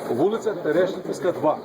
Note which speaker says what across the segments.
Speaker 1: Вулиця Терешківська, 2.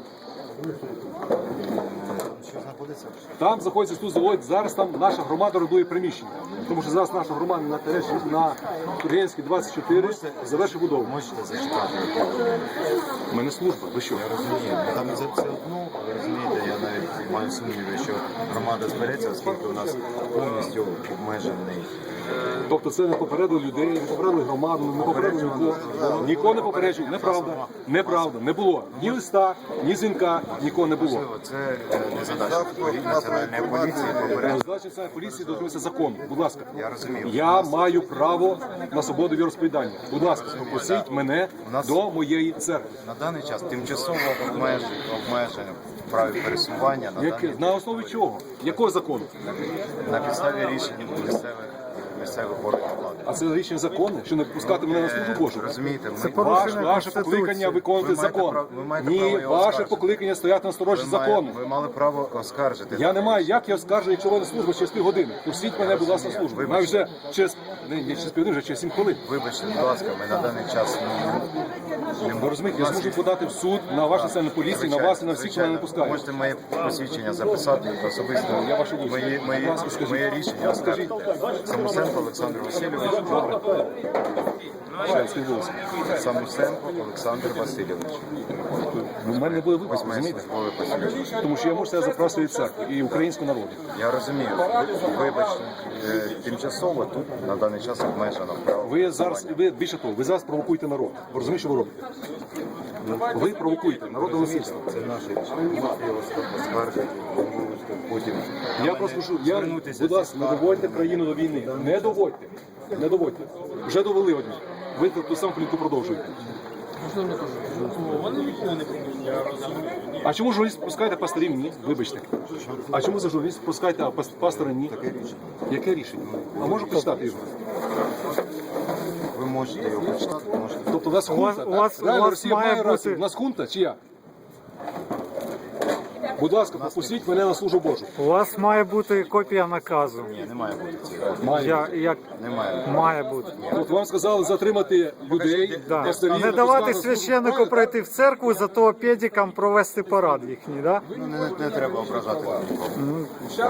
Speaker 1: Там знаходиться тут завод, зараз там наша громада орендує приміщення. Тому що зараз наша громада на Тургенській 24 завершить будову.
Speaker 2: Можете зачитати?
Speaker 1: У мене служба, ви що?
Speaker 2: Я розумію. Там це одно, ви розумієте, я навіть маю сумніви, що громада збереться, оскільки у нас повністю обмежений.
Speaker 1: Тобто це не попередили людей, не попередили громаду, не попередили нікого. Нікого не попереджували. Неправда. Неправда. Не було ні листа, ні дзвінка, нікого не було.
Speaker 2: Можливо, це не задача національної поліції попередити.
Speaker 1: Задача національної поліції дотримуватися закону. Будь ласка.
Speaker 2: Я розумію.
Speaker 1: Я маю право на свободу віросповідання. Будь ласка, пропустіть мене до моєї церкви.
Speaker 2: На даний час тимчасово обмеження в праві пересування
Speaker 1: На основі чого? Якого закону?
Speaker 2: на підставі рішень місцевих органів влади.
Speaker 1: А це рішення законне, що не пускати мене на службу Божу.
Speaker 2: Розумієте,
Speaker 1: Ваше покликання виконувати закон. Ні, ваше покликання стояти на сторожі закону.
Speaker 2: ви мали право оскаржити.
Speaker 1: Я не маю, як я оскаржу, якщо ви на службу через півгодини. Пустіть мене, будь ласка, на службу. Маю вже через, не через півгодини, вже через 7 хвилин.
Speaker 2: Вибачте, будь ласка, ми на даний час
Speaker 1: Ви розумієте, я зможу подати в суд на вашу національну поліцію, на вас і на всіх, хто мене не пускає.
Speaker 2: Можете моє посвідчення записати особисто.
Speaker 1: Я вашу дію.
Speaker 2: Моє рішення
Speaker 1: Скажіть.
Speaker 2: Самусенко Олександр Васильович. Самусенко Олександр Васильович.
Speaker 1: У мене не буде вибору,
Speaker 2: Ось моє
Speaker 1: розумієте?
Speaker 2: службове посвідчення.
Speaker 1: Тому що я можу себе запросити від церкви і українського народу.
Speaker 2: Я розумію. Вибачте, тимчасово тут на даний час обмежено право.
Speaker 1: Ви зараз, ви більше того, ви зараз провокуєте народ. Ви розумієте, що ви робите? Ви провокуєте народ до насильства.
Speaker 2: Це наше рішення. Можете його оскаржити, потім.
Speaker 1: Я просто кажу, будь ласка, не доводьте країну до війни. Не доводьте. Не доводьте. Вже довели одні. Ви ту саму політику продовжуєте. А чому журналіст пускаєте пасторів? Ні, вибачте. А чому за журналіст пускаєте, а пастора ні? Яке рішення? А можу почитати його?
Speaker 2: Ви можете його почитати, можете.
Speaker 1: Тобто у нас хунта,
Speaker 3: у вас
Speaker 1: так? Реально Росія
Speaker 3: має
Speaker 1: має рацію.
Speaker 3: бути-
Speaker 1: У нас хунта чи я? Будь ласка, пропустіть мене на службу Божу.
Speaker 3: У вас має бути копія наказу.
Speaker 2: Ні, не має бути цього.
Speaker 3: Як
Speaker 2: Немає.
Speaker 3: має бути.
Speaker 1: От вам сказали затримати людей,
Speaker 3: Да.
Speaker 1: пасторів,
Speaker 3: Не давати
Speaker 1: пускати на службу.
Speaker 3: священнику
Speaker 1: Правильно?
Speaker 3: пройти в церкву, зато педикам провести парад їхній, да?
Speaker 2: Не треба ображати нікого.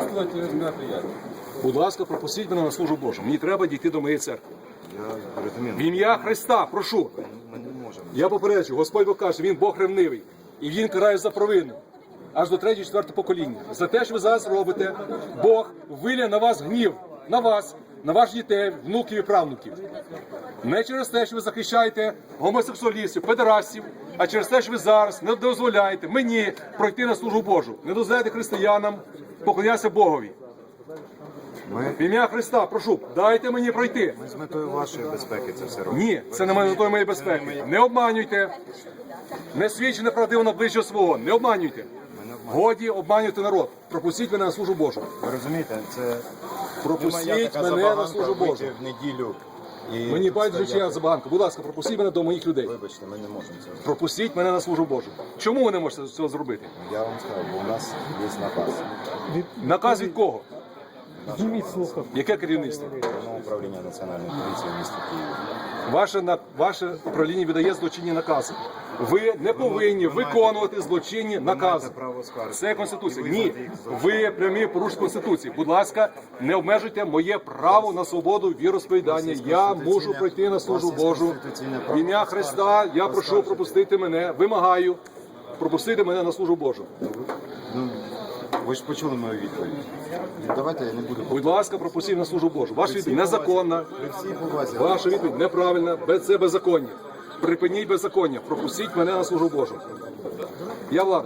Speaker 1: Будь ласка, пропустіть мене на службу Божу. Мені треба дійти до моєї церкви.
Speaker 2: Я розумію.
Speaker 1: В ім'я Христа, прошу.
Speaker 2: Ми не можемо.
Speaker 1: Я попереджу, Господь Бог каже, Він Бог ревнивий. І Він карає за провину. Аж до 3-4 покоління. За те, що ви зараз робите, Бог вилє на вас гнів. На вас, на ваших дітей, внуків і правнуків. Не через те, що ви захищаєте гомосексуалістів, педерастів, а через те, що ви зараз не дозволяєте мені пройти на службу Божу. Не дозволяєте християнам поклонятися Богові.
Speaker 2: Ми
Speaker 1: В ім'я Христа, прошу, дайте мені пройти.
Speaker 2: з метою вашої безпеки це все робимо.
Speaker 1: Ні, це не метою моєї безпеки. Не обманюйте. Не свідчи неправдиво на ближнього свого. Не обманюйте. Годі обманювати народ. Пропустіть мене на службу Божу.
Speaker 2: Ви розумієте, це
Speaker 1: Пропустіть
Speaker 2: моя така
Speaker 1: мене на
Speaker 2: забаганка
Speaker 1: службу Божу.
Speaker 2: вийти в неділю. І
Speaker 1: Мені байдуже, чи я
Speaker 2: стояти.
Speaker 1: забаганка. Будь ласка, пропустіть мене до моїх людей.
Speaker 2: Вибачте, ми не можемо цього.
Speaker 1: Пропустіть мене на службу Божу. Чому ви не можете цього зробити?
Speaker 2: Я вам скажу, бо у нас є наказ.
Speaker 1: Наказ від кого?
Speaker 3: Зніміть слухав.
Speaker 1: Яке керівництво?
Speaker 2: Головного управління Національної поліції в місті Києві.
Speaker 1: Ваше управління видає злочинні накази. Ви не повинні виконувати злочинні накази.
Speaker 2: право скаржити.
Speaker 1: Це Конституція. Ні, ви прямі порушення Конституції. Будь ласка, не обмежуйте моє право на свободу віросповідання. Я мушу пройти на службу Божу. В ім'я Христа я прошу пропустити мене, вимагаю пропустити мене на службу Божу.
Speaker 2: Ну, ви ж почули мою відповідь. Давайте я не буду.
Speaker 1: Будь ласка, пропустіть на службу Божу. Ваша відповідь незаконна,
Speaker 2: При всій повазі.
Speaker 1: ваша відповідь неправильна, це беззаконня. Припиніть беззаконня, пропустіть мене на службу Божу. Я владик.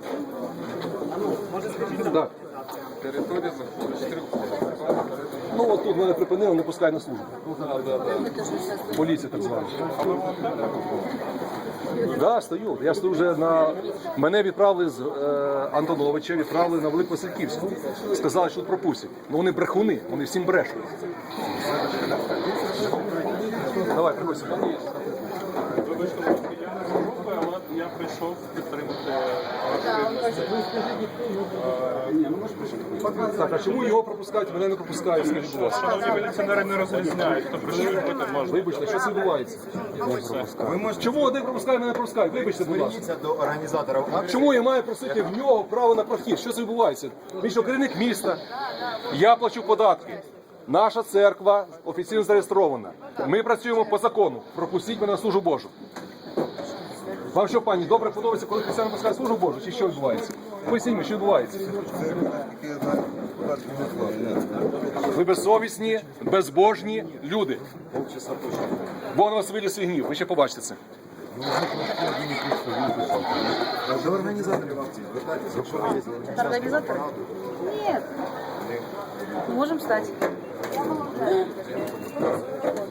Speaker 1: Так. Ну от тут мене припинили, не пускають на службу. Поліція так звана. Да, стою. Я стою вже на... Мене відправили з Антоновича, відправили на Великвасильківську. Сказали, що тут пропустять. Ну вони брехуни, вони всім брешуть. Давай, приходь сюди.
Speaker 4: Прошу підтримати.
Speaker 1: Так, а чому його пропускають, мене не пропускають? Скажіть, будь ласка.
Speaker 4: Шановні міліціонери не розрізняють, хто прийшов робити можна.
Speaker 1: Вибачте, що це відбувається?
Speaker 2: Ви можете
Speaker 1: Чому один пропускає, мене не пропускають? Вибачте, будь ласка.
Speaker 2: зверніться до організаторів акції.
Speaker 1: Чому я маю просити в нього право на прохід? Що це відбувається? Він що, керівник міста, я плачу податки. Наша церква офіційно зареєстрована. Ми працюємо по закону. Пропустіть мене на службу Божу. Вам що, пані, добре подобається, коли християни пускають службу Божу? Чи що відбувається? Поясніть мені, що відбувається? Ви безсовісні, безбожні люди. Бог на вас вилє свій гнів. Ви ще побачите це.
Speaker 2: До організаторів акції звертайтеся, якщо ви є.
Speaker 5: Это организатор? Нет. Мы можем стать.